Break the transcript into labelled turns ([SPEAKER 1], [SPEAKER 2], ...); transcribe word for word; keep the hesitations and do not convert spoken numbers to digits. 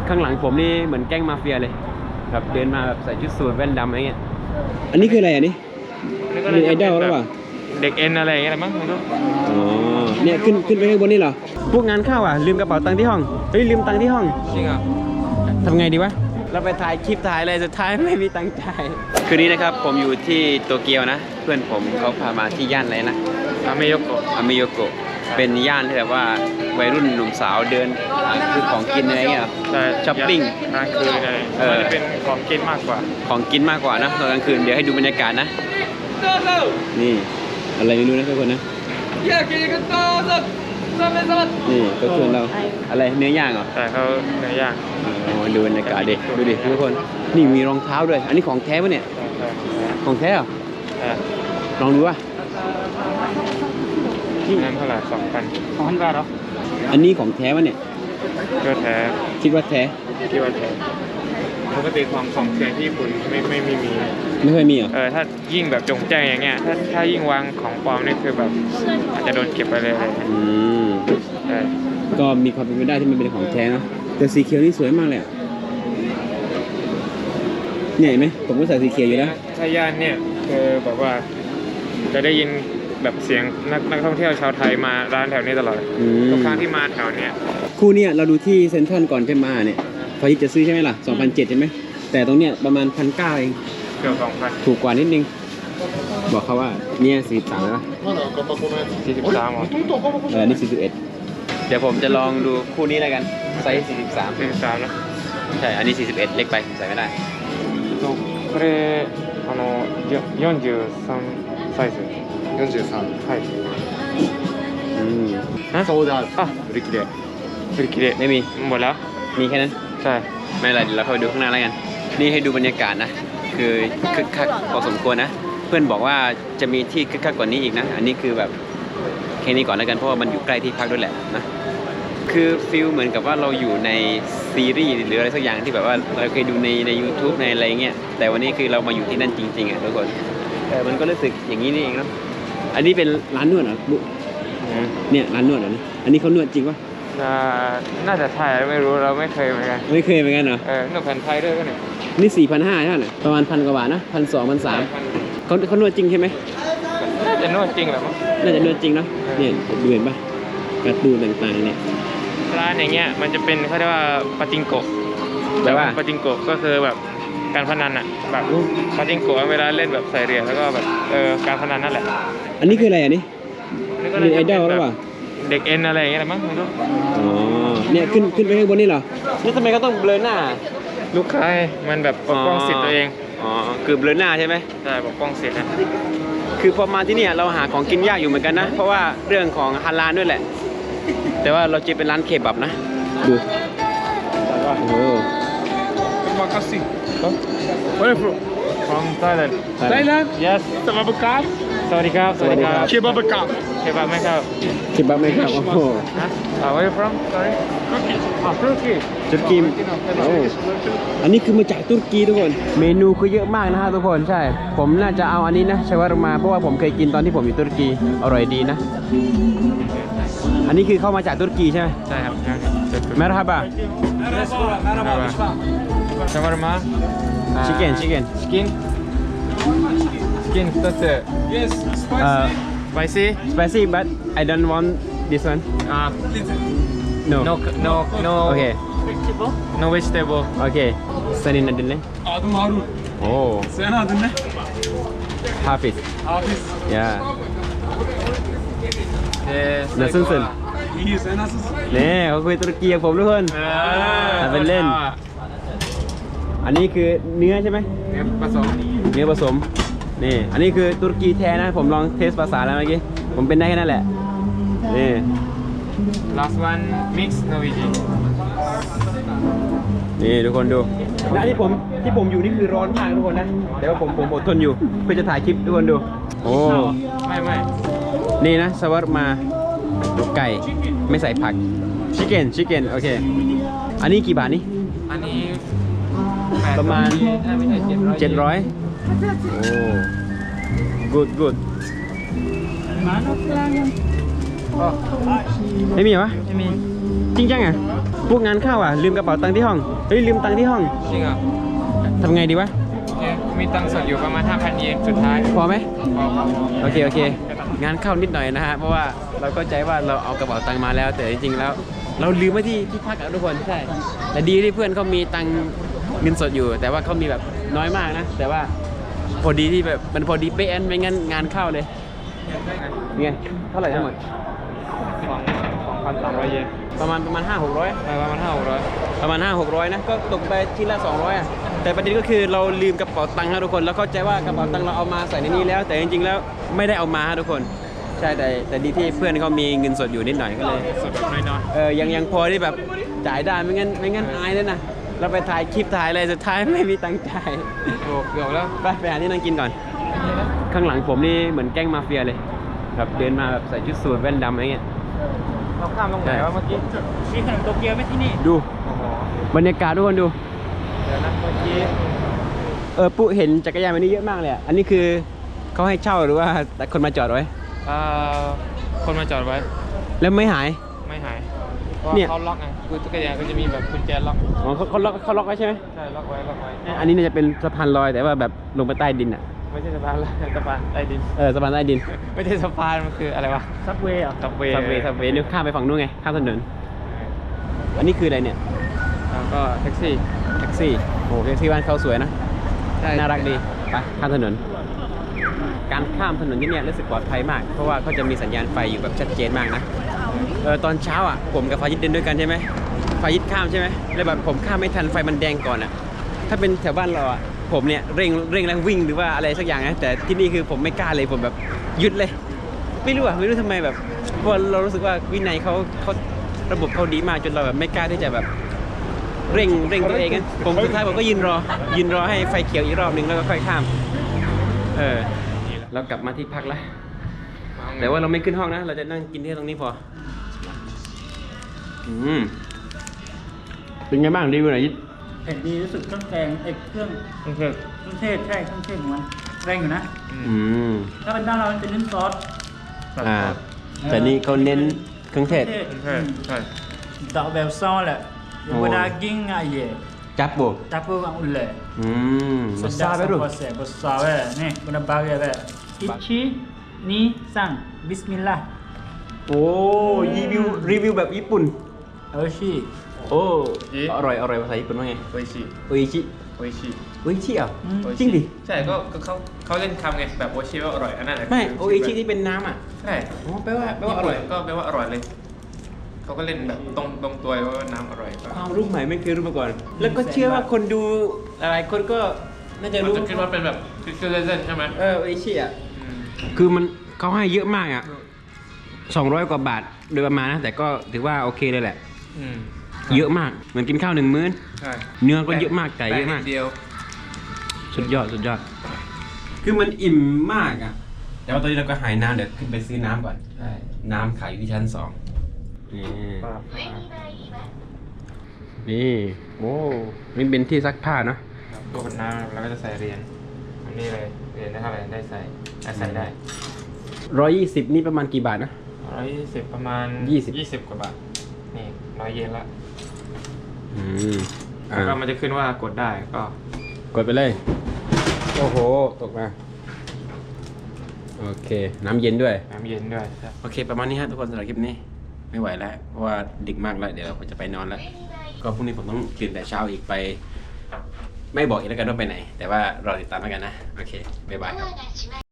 [SPEAKER 1] ข้างหลังผมนี่เหมือนแก๊งมาเฟียเลยแบบเดินมาแบบใส่ชุดสูทแว่นดำอะไรเงี้ยอันนี้คืออะไรอันนี้มีไอดอลหรือเปล่า
[SPEAKER 2] เด็กเอ็นอะไรอย่างเงี้ยมั้งไม่รู้
[SPEAKER 1] อ๋อเนี่ยขึ้นขึ้นไปข้างบนนี่เหรอพวกงานเข้าอ่ะลืมกระเป๋าตังค์ที่ห้องเฮ้ยลืมตังค์ที่ห้อง
[SPEAKER 2] จริงอ่ะ
[SPEAKER 1] ทำไงดีวะเราไปถ่ายคลิปถ่ายอะไรสุดท้ายไม่มีตังค์จ่ายคืนนี้นะครับผมอยู่ที่โตเกียวนะเพื่อนผมเขาพามาที่ย่านอะไรนะ
[SPEAKER 2] อาเมโยโกะ
[SPEAKER 1] อาเมโยโกะเป็นย่านที่แบบว่าวัยรุ่นหนุ่มสาวเดินซื้อของกินอะไรเงี้ยช้อปปิ้ง
[SPEAKER 2] กลางคืนอะไรมันจะเป็นของกินมากกว่า
[SPEAKER 1] ของกินมากกว่านะตอนกลางคืนเดี๋ยวให้ดูบรรยากาศนะนี่อะไรไม่รู้นะทุกคนนะนี่ก็ชวนเราอะไรเนื้อย่างเหรอ
[SPEAKER 2] แต่เขาเนื้อย่าง
[SPEAKER 1] โอ้ดูบรรยากาศดิดูดิทุกคนนี่มีรองเท้าด้วยอันนี้ของแท้ปะเนี่ยของแท้เหรอลองดูว่ะ
[SPEAKER 2] นี่นั่นเท่าไหร่สองพันสองพันบาทเหรอ
[SPEAKER 1] อันนี้ของแท้ปะเนี่ย
[SPEAKER 2] ก็แท้
[SPEAKER 1] คิดว่าแท้
[SPEAKER 2] คิดว่าแท้ปกติของของแท้ที่ญี่ปุ่นไม่ไม่ไม่มี
[SPEAKER 1] ไม่เคยมีเหรอ
[SPEAKER 2] เออถ้ายิ่งแบบจงใจอย่างเงี้ยถ้าถ้ายิ่งวางของปลอมนี่คือแบบอาจจะโดนเก็บไปเลย
[SPEAKER 1] อืม
[SPEAKER 2] ใช่
[SPEAKER 1] ก็มีความเป็นไปได้ที่มันเป็นของแท้เนาะแต่สีเขียวนี่สวยมากเลยเนี่ยเห็นไหมผมก็ใส่สีเขียวอยู่แล้ว
[SPEAKER 2] ถ้าย่านเนี่ยคือแบบว่าจะได้ยินแบบเสียงนักนักท่องเที่ยวชาวไทยมาร้านแถวนี้ตลอดทุกครั้งที่มาแถวเนี้ย
[SPEAKER 1] คู่เนี่ยเราดูที่เซ็นทรัลก่อนจะมาเนี่ยพอที่จะซื้อใช่ไหมล่ะ สองพันเจ็ดร้อย ใช่ไหมแต่ตรงเนี้ยประมาณ หนึ่งพันเก้าร้อย เอง
[SPEAKER 2] เกือบ สองพัน
[SPEAKER 1] ถูกกว่านิดนึงบอกเขาว่าเนี่ยสี่สิบสามแล้ว
[SPEAKER 2] สี่สิบสามเหรอ
[SPEAKER 1] เออนี่สี่สิบเอ็ดเดี๋ยวผมจะลองดูคู่นี้แล้วกันไซส์สี่สิบสาม
[SPEAKER 2] สี่สิบสามนะ
[SPEAKER 1] ใช่อันนี้สี่สิบเอ็ดเล็กไปใส่ไม่ได้
[SPEAKER 2] これあのよんじゅうさんサイズ
[SPEAKER 3] よんじゅうさん
[SPEAKER 2] はい
[SPEAKER 1] อืม
[SPEAKER 3] ソーダあ売り切れ
[SPEAKER 2] 売り切れ
[SPEAKER 1] ไม่มี
[SPEAKER 2] หมดแล้ว
[SPEAKER 1] มีแค่นั้น
[SPEAKER 2] ใช่
[SPEAKER 1] ไม่เป็นไรเดี๋ยวเราเข้าไปดูข้างหน้าแล้วกันนี่ให้ดูบรรยากาศนะคือคึกคักพอสมควรนะเพื่อนบอกว่าจะมีที่คึกคักกว่านี้อีกนะอันนี้คือแบบแค่นี้ก่อนแล้วกันเพราะว่ามันอยู่ใกล้ที่พักด้วยแหละนะคือฟิลเหมือนกับว่าเราอยู่ในซีรีส์หรืออะไรสักอย่างที่แบบว่าเราเคยดูในใน YouTube ในอะไรเงี้ยแต่วันนี้คือเรามาอยู่ที่นั่นจริงๆอ่ะทุกคนแต่มันก็รู้สึกอย่างนี้นี่เองนะอันนี้เป็นร้านนวดเหรอบุ๊เนี่ยร้านนวดเหรอเนี่ยอันนี้เขานวดจริงปะ
[SPEAKER 2] น่าจะใช่ไม่รู้เราไม่เคยเหมือนกัน
[SPEAKER 1] ไม่เคยเหมือนกันเหรอ
[SPEAKER 2] เออนวดแผ่นไทยด้วยก็เนี่ย
[SPEAKER 1] นี่สี่พันห้าใช่ไหมประมาณพันกว่าบาทนะพันสองพันสามเขาเขานวดจริงใช่ไหม
[SPEAKER 2] น่าจะนวดจริงแหละมั้ง
[SPEAKER 1] น่าจะนวดจริงเนาะเนี่ยดูเห็นปะการ์ตูนต่างๆเนี่ย
[SPEAKER 2] ร้านอย่างเงี้ยมันจะเป็นเขาเรียกว่าปาจิงโกะ
[SPEAKER 1] แปลว่า
[SPEAKER 2] ปาจิงโกะก็คือแบบการพนันอ่ะแบบปาจิงโกะเวลาเล่นแบบใส่เหรียญแล้วก็แบบเออการพนันนั่นแหละ
[SPEAKER 1] อันนี้คืออะไรอันนี้มีไอดอลหรือเปล่า
[SPEAKER 2] เด็กเอ็นอะไรอย่างเงี้ยมั้งไม่รู้
[SPEAKER 1] อ๋อเนี่ยขึ้นขึ้นไปข้างบนนี่เหรอนี่ทำไมก็ต้องเบลอหน้า
[SPEAKER 2] ลูกค้ามันแบบปกป้องสิทธิ์ตัวเอง
[SPEAKER 1] อ๋อคือเบลอหน้าใช่ไหม
[SPEAKER 2] ใช่ปกป้องสิทธิ์นะ
[SPEAKER 1] คือพอมาที่นี่เราหาของกินยากอยู่เหมือนกันนะเพราะว่าเรื่องของฮาลาลด้วยแหละแต่ว่าเราจะเป็นร้านเคบับนะดูโอ้โห
[SPEAKER 2] มาคัสซิWhere are you from? From Thailand.
[SPEAKER 3] Thailand?
[SPEAKER 2] Yes.
[SPEAKER 3] สวัสดีครับ
[SPEAKER 2] สวัสดีครับสวัสดีครับ
[SPEAKER 3] เคบับครับ
[SPEAKER 2] เคบับไหมครับ
[SPEAKER 1] เคบับไหมครับโอ้โห
[SPEAKER 2] Where are you from? Sorry. Turkey. Ah, Turkey.
[SPEAKER 1] ตุรกีโอ้อันนี้คือมาจากตุรกีทุกคนเมนูคือเยอะมากนะฮะทุกคนใช่ผมน่าจะเอาอันนี้นะชาวารุมาเพราะว่าผมเคยกินตอนที่ผมอยู่ตุรกีอร่อยดีนะอันนี้คือเข้ามาจากตุรกีใช่ไหม
[SPEAKER 2] ใช่ครับ
[SPEAKER 1] เมรฮาบะ
[SPEAKER 2] ชาวารุมา
[SPEAKER 1] ชิคเก้นชิคเก้น
[SPEAKER 2] ชิคเก้นชิคเก้นตัวเสือ
[SPEAKER 3] Yes
[SPEAKER 2] spicy
[SPEAKER 1] spicy but I don't want this one
[SPEAKER 2] ah
[SPEAKER 1] no
[SPEAKER 2] no no no
[SPEAKER 1] okay
[SPEAKER 2] no vegetable
[SPEAKER 1] okay senin adın ne
[SPEAKER 3] adım Harun
[SPEAKER 1] oh
[SPEAKER 3] senin adın ne
[SPEAKER 1] Hafiz
[SPEAKER 3] Hafiz
[SPEAKER 1] ya
[SPEAKER 2] nasılsın
[SPEAKER 3] iyi sen nasılsın
[SPEAKER 1] เนี่ยเขาคุยตุรกีกับผมทุกคนทำเป็นเล่นอันนี้คือเนื้อใช่ไหม
[SPEAKER 2] เนื้อผสม
[SPEAKER 1] เนื้อผสมนี่อันนี้คือตุรกีแท้นะผมลองเทสภาษาแล้วเมื่อกี้ผมเป็นได้แค่นั้นแหละนี่
[SPEAKER 2] last one mix Norwegian
[SPEAKER 1] นี่ทุกคนดูและที่ผมที่ผมอยู่นี่คือร้อนมากทุกคนนะแต่ว่าผมผมอดทนอยู่เพื่อจะถ่ายคลิปทุกคนดูโอ้
[SPEAKER 2] ไม่ไม่
[SPEAKER 1] นี่นะสวัสดมาไก่ไม่ใส่ผักชิคเก้นชิคเก้นโอเคอันนี้กี่บาทนี่
[SPEAKER 2] อันนี้
[SPEAKER 1] ประมาณเจ็ดร้อยโอ้ good good ไม่มีเหรอ
[SPEAKER 2] ไม่มี
[SPEAKER 1] จริงจังอ่ะพวกงานเข้าอ่ะลืมกระเป๋าตังค์ที่ห้องเฮ้ยลืมตังค์ที่ห้อง
[SPEAKER 2] จริงเหรอ
[SPEAKER 1] ทำไงดีวะ
[SPEAKER 2] เนี่ยมีตังค์สดอยู่ประมาณ ห้าพัน เยนสุดท้าย
[SPEAKER 1] พอไหม
[SPEAKER 2] พอพอ
[SPEAKER 1] โอเคโอเค งานเข้านิดหน่อยนะฮะเพราะว่าเราก็ใจว่าเราเอากระเป๋าตังค์มาแล้ว แต่จริงๆแล้ว เราลืมไว้ที่ที่พักอะทุกคนใช่แต่ดีที่เพื่อนเขามีตังค์เงินสดอยู่ แต่ว่าเขามีแบบน้อยมากนะ แต่ว่าพอดีที่แบบมันพอดีเป๊ะไม่งั้นงานเข้าเลยไงเท่าไหร่ทั้งหมด
[SPEAKER 2] สองสองพันสามร้อยเยน
[SPEAKER 1] ประมาณประมาณห้าหกร้อย
[SPEAKER 2] ไปประมาณห้าหกร้อย
[SPEAKER 1] ประมาณห้าหกร้อยนะก็ตกไปที่ละสองร้อยอ่ะแต่ประเด็นก็คือเราลืมกระเป๋าตังค์ครับทุกคนแล้วเข้าใจว่ากระเป๋าตังค์เราเอามาใส่ในนี้แล้ว แต่จริงๆแล้วไม่ได้เอามาครับทุกคนใช่แต่แต่ดีที่เพื่อนเขามีเงินสดอยู่นิดหน่อยก็เลย
[SPEAKER 2] สดแบบน้อย
[SPEAKER 1] เออยังยังพอที่แบบจ่ายได้ไม่งั้นไม่งั้นอายเลยนะเราไปถ่ายคลิปถ่ายอะไรสุดท้ายไม่มีตังค์จ่าย
[SPEAKER 2] ๆโอ้เกือบแล้ว
[SPEAKER 1] ไปไปหาที่นั่งกินก่อน ข้างหลังผมนี่เหมือนแก๊งมาเฟียเลยแบบเดินมาแบบใส่ชุดสูทแว่นดำอะไรเงี้ย
[SPEAKER 2] เราข้ามตรงไหนวะเมื่อกี้
[SPEAKER 3] มีขนมโตเกียวไหมที่นี่
[SPEAKER 1] ดู
[SPEAKER 2] โอ้โห
[SPEAKER 1] บรรยากาศทุกคนดู
[SPEAKER 2] เดี๋ยวนะเมื่อกี้
[SPEAKER 1] เออปุ๊เห็นจักรยานวันนี้เยอะมากเลยอ่ะอันนี้คือเขาให้เช่าหรือว่าแต่คนมาจอดไว้
[SPEAKER 2] เอ่อคนมาจอดไว้
[SPEAKER 1] แล้วไม่หาย
[SPEAKER 2] ไม่หายเพราะ
[SPEAKER 1] เนี่ย
[SPEAKER 2] เขาล็อกไงคือจักรยานก็จะมีแบบกุญแจล็อก
[SPEAKER 1] อ๋อเขาเขาล็อกเขาล็อกไว้ใช่ไหม
[SPEAKER 2] ใช่ล็อกไว้ล็อกไว้
[SPEAKER 1] อันนี้น่าจะเป็นสะพานลอยแต่ว่าแบบลงไปใต้ดินอ่ะ
[SPEAKER 2] ไม่ใช่สะพานละสะพานใต้ดิน
[SPEAKER 1] เออสะพานใต้ดิน
[SPEAKER 2] ไม่ใช่สะพานมันคืออะไรวะ
[SPEAKER 3] ซับเวย์เหรอ
[SPEAKER 2] ซับเวย์
[SPEAKER 1] ซับเวย์ซับเวย์นี่ข้ามไปฝั่งนู้นไงข้ามถนนอันนี้คืออะไรเนี่ย
[SPEAKER 2] แล้วก็แท็กซี่
[SPEAKER 1] แท็กซี่โอ้แท็กซี่บ้านเขาสวยนะ
[SPEAKER 2] ใช่
[SPEAKER 1] น่ารักดีไปข้ามถนน การข้ามถนนที่เนี่ยรู้สึกปลอดภัยมาก เพราะว่าเขาจะมีสัญญาณไฟอยู่แบบชัดเจนมากนะเออตอนเช้าอ่ะผมกับฟายิดเดินด้วยกันใช่ไหมฟายิดข้ามใช่ไหมแล้วแบบผมข้ามไม่ทันไฟมันแดงก่อนอ่ะถ้าเป็นแถวบ้านเราอ่ะผมเนี่ยเร่งเร่งแล้ววิ่งหรือว่าอะไรสักอย่างนะแต่ที่นี่คือผมไม่กล้าเลยผมแบบหยุดเลย ไม่รู้อ่ะไม่รู้ทำไมแบบเพราะเรารู้สึกว่าวินัยเขาเขาระบบเขาดีมากจนเราแบบไม่กล้าที่จะแบบเร่งเร่งตัวเองนะผมสุดท้ายผมก็ยืนรอยืนรอให้ไฟเขียวอีกรอบหนึ่งแล้วก็ค่อยข้ามเออเรากลับมาที่พักแล้วแต่ว่าเราไม่ขึ้นห้องนะ เราจะนั่งกินที่ตรงนี้พออืมเป็นไงบ้างรีวิวหน่อยยิด
[SPEAKER 3] เผ็ดดีรู้สึกเครื่องแกงเอกเครื่อง
[SPEAKER 2] โอเค
[SPEAKER 3] เครื่องเทศใช่เครื่องเทศของมันแรงอยู่นะ
[SPEAKER 1] อืม
[SPEAKER 3] ถ้าเป็นบ้านเรามันจะเน้นซอส
[SPEAKER 1] อ่าแต่นี่เขาเน้นเครื่องเทศ
[SPEAKER 3] เครื่อง
[SPEAKER 2] ใช่ใช่
[SPEAKER 3] ดอกแบบซอสแหละยังเวลากินอ่ะเย่
[SPEAKER 1] จับโบ
[SPEAKER 3] จับเพื่อวางอุ่นเลย
[SPEAKER 1] อืม
[SPEAKER 3] สุด
[SPEAKER 1] ซาไปดู
[SPEAKER 3] besar besar eh ni guna bagi eh ichi ni sang bismillah
[SPEAKER 1] โอ้รีวิวรีวิวแบบญี่ปุ่น
[SPEAKER 3] oishi
[SPEAKER 1] โอ้อร่อยอร่อยภาษาญี่ปุ่นว่าไง
[SPEAKER 2] โออิชิ
[SPEAKER 1] โออิชิ
[SPEAKER 2] โออิชิ
[SPEAKER 1] โออิชิอ่ะ
[SPEAKER 3] อืม
[SPEAKER 1] จริงดิ
[SPEAKER 2] ใช่ก็ก็เขาเขาเล่นคำไงแบบโออิชิว่าอร่อยอันนั้นน่ะ
[SPEAKER 1] ไม่
[SPEAKER 2] คื
[SPEAKER 1] โออิชิที่เป็นน้ำอ่ะ
[SPEAKER 2] ใช่
[SPEAKER 1] อ๋อแปลว่าแปลว่าอร่อย
[SPEAKER 2] ก็แปลว่าอร่อยเลยเขาก็เล่นแบบตรงตรงตัวว่าน้ำอร่อยก็
[SPEAKER 1] ความรู้ใหม่ไม่เคยรู้มาก่อน แล้วก็เชื่อว่าคนดูอะไรคนก็น่าจะ
[SPEAKER 2] มัน
[SPEAKER 1] รู้
[SPEAKER 2] จะคิดว่าเป็นแบบคือเล่นๆใช่ไหม
[SPEAKER 1] เออโออิชิอ่ะ
[SPEAKER 2] อืม
[SPEAKER 1] คือมันเขาให้เยอะมากอ่ะสองร้อยกว่าบาทโดยประมาณนะ แต่ก็ถือว่าโอเคเลยแหละ
[SPEAKER 2] อืม
[SPEAKER 1] เยอะมาก เหมือนกินข้าวหนึ่งมื้อ
[SPEAKER 2] ใช่
[SPEAKER 1] เนื้อก็เยอะมาก ไก่เยอะมาก
[SPEAKER 2] แป้งนิดเดียว
[SPEAKER 1] สุดยอด สุดยอด คือมันอิ่มมากอ่ะ แต่ว่าตอนนี้เราก็หายน้ำเดี๋ยวขึ้นไปซื้อน้ำก่อน
[SPEAKER 2] ใช่
[SPEAKER 1] น้ำขายอยู่ที่ชั้นสองนี่
[SPEAKER 2] ป้า
[SPEAKER 1] นี่ โอ้นี่เป็นที่ซักผ้าเนาะ
[SPEAKER 2] ตัวคนน้ำแล้วก็จะใส่เหรียญอันนี้เลยเหรียญได้เท่าไหร่ได้ใส่ได้ใส่ได้
[SPEAKER 1] ร้อยยี่สิบนี่ประมาณกี่บาทนะ
[SPEAKER 2] ร้อยยี่สิบประมาณ
[SPEAKER 1] ยี่สิบ
[SPEAKER 2] ยี่สิบกว่าบาทนี่ร้อยเยนละ
[SPEAKER 1] อืมอ่า
[SPEAKER 2] แล้วก็มันจะขึ้นว่ากดได้ก็
[SPEAKER 1] กดไปเลย โอ้โห ตกมา โอเค น้ำเย็นด้วย
[SPEAKER 2] น้ำเย็นด้วยใช่
[SPEAKER 1] โอเค ประมาณนี้ฮะทุกคนสำหรับคลิปนี้ ไม่ไหวแล้ว เพราะว่าดึกมากแล้ว เดี๋ยวเราจะไปนอนแล้ว ก็พรุ่งนี้ผมต้องตื่นแต่เช้าอีกไป ไม่บอกอีกแล้วกันว่าไปไหน แต่ว่ารอติดตามแล้วกันนะ โอเค บ๊ายบายครับ